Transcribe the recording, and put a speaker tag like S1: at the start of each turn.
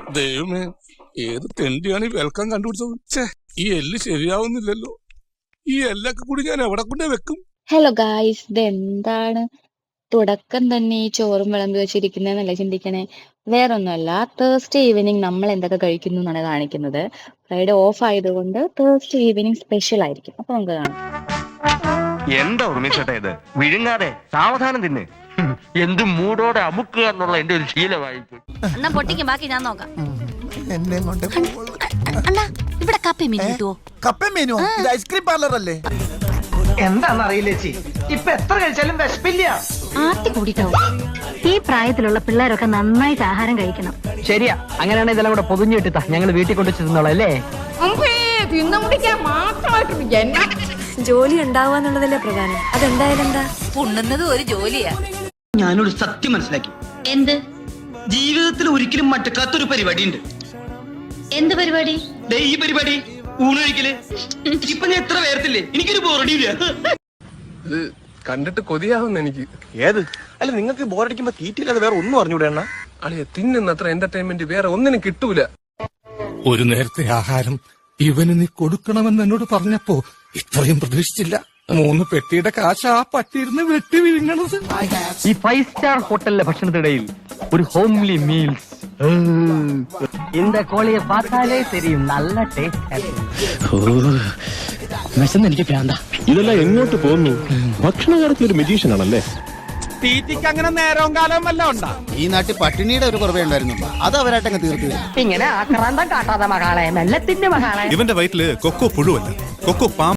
S1: ദൈവമേ, ഏത് തെണ്ടിയാണ് ഈ വെൽക്കം കണ്ടുപിടിച്ചത്? ഈ എല്ല് ശരിയാവുന്നില്ലല്ലോ. ഈ എല്ലൊക്കെ കൂടി ഞാൻ എവിടെ കൊണ്ടേ വെക്കും?
S2: ഹലോ ഗായ്സ്, ഇതെന്താണ് തുടക്കം തന്നെ ഈ ചോറും വിളമ്പി വെച്ചിരിക്കുന്നതെന്നല്ല ചിന്തിക്കണേ. വേറൊന്നുമല്ല, തേഴ്സ്ഡേ ഈവനിങ് നമ്മൾ എന്തൊക്കെ കഴിക്കുന്നു എന്നാണ് കാണിക്കുന്നത്. ഫ്രൈഡേ ഓഫ് ആയതുകൊണ്ട് തേഴ്സ്ഡേ ഈവനിങ് സ്പെഷ്യൽ ആയിരിക്കും. അപ്പൊ നമുക്ക് കാണാം.
S3: എന്താ ഉർമിച്ചേട്ടാ ഇത്? വിഴുങ്ങാതെ സാവധാനം തിന്ന്. എന്ത് മൂടോടെ അമുക്കുക എന്നുള്ള എന്റെ ഒരു ശീലമായിപ്പോയി.
S4: എന്നാ പൊട്ടിക്കും, ബാക്കി ഞാൻ നോക്കാം.
S5: എന്നെ കൊണ്ട്
S4: അണ്ണാ, ഇവിടെ കപ്പയും മീൻ കിട്ടുവോ?
S5: കപ്പ മീനോ? ഇത് ഐസ്ക്രീം പാർലർ അല്ലേ?
S6: എന്താന്നറിയില്ല ചേച്ചി, ഇപ്പൊ എത്ര കഴിച്ചാലും വിശപ്പില്ല.
S7: ആർത്തി കൂടിയിട്ടാവും. ഈ പ്രായത്തിലുള്ള പിള്ളേരൊക്കെ നന്നായിട്ട് ആഹാരം കഴിക്കണം.
S6: ശരിയാ, അങ്ങനെയാണ് ഇതെല്ലാം കൂടെ പൊതിഞ്ഞിട്ടാ ഞങ്ങൾ വീട്ടിൽ കൊണ്ടു ചെന്നോളാം അല്ലേ?
S8: ജോലി ഉണ്ടാവുക എന്നുള്ളതല്ലേ പ്രധാനം. അതെന്തായാലും എന്താ
S4: ഉണ്ണുന്നത് ഒരു ജോലിയാ.
S9: ഞാനൊരു സത്യം മനസ്സിലാക്കി.
S7: എന്ത്
S9: ജീവിതത്തിൽ ഒരിക്കലും മറ്റക്കാത്തൊരു പരിപാടി ഉണ്ട്.
S7: എന്ത് പരിപാടി?
S9: ഈ പരിപാടി ഊണൊഴിക്കല്. ഇപ്പൊ ഞാൻ എത്ര പേർത്തില്ലേ, എനിക്കൊരു ബോറടിയില്ല.
S1: ഇത് കണ്ടിട്ട് കൊതിയാവുന്ന എനിക്ക്.
S3: ഏത്? അല്ല, നിങ്ങൾക്ക് ബോറടിക്കുമ്പോ തീറ്റില്ലാതെ വേറെ ഒന്നും അറിഞ്ഞൂടെ എണ്ണ?
S1: അളിയ തിന്നുന്നത്ര എന്റർടൈൻമെന്റ് വേറെ ഒന്നിനും കിട്ടൂല.
S10: ഒരു നേരത്തെ ആഹാരം ഇവന് നീ കൊടുക്കണമെന്ന് എന്നോട് പറഞ്ഞപ്പോ ഇത്രയും പ്രതീക്ഷിച്ചില്ല. 3 പെട്ടിയുടെ കാശ് ആ പട്ടിയിരുന്ന് വെട്ടി വിഴുങ്ങണത്.
S6: ഈ 5 സ്റ്റാർ ഹോട്ടലിലെ ഭക്ഷണത്തിനിടയിൽ ഒരു ഹോംലി മീൽസ്. இந்த കോഴിയെ பார்த்தாலே தெரியும், നല്ല ടേസ്റ്റ്.
S3: എനിക്ക് പ്രാന്ത. ഇതെല്ലാം എങ്ങോട്ട് പോകുന്നു? ഭക്ഷണകാലത്തിൽ ഒരു മെജീഷ്യൻ ആണല്ലേ?
S5: തീറ്റിക്ക് അങ്ങനെ നേരവും കാലവും വല്ല ഉണ്ടാ?
S11: ഈ നാട്ടിൽ പട്ടിണിയുടെ ഒരു കുറവേ ഉണ്ടായിരുന്നുള്ളൂ, അത് അവരായിട്ടങ്ങ് തീർത്തു.
S6: ഇങ്ങനെ ആക്രാന്തം കാട്ടാതെ മകളെ, മെല്ലത്തിന്റെ മകളെ.
S10: ഇവന്റെ വയറ്റില് കൊക്കോ പുഴുവല്ല, കൊക്കോ പാമ്പ്.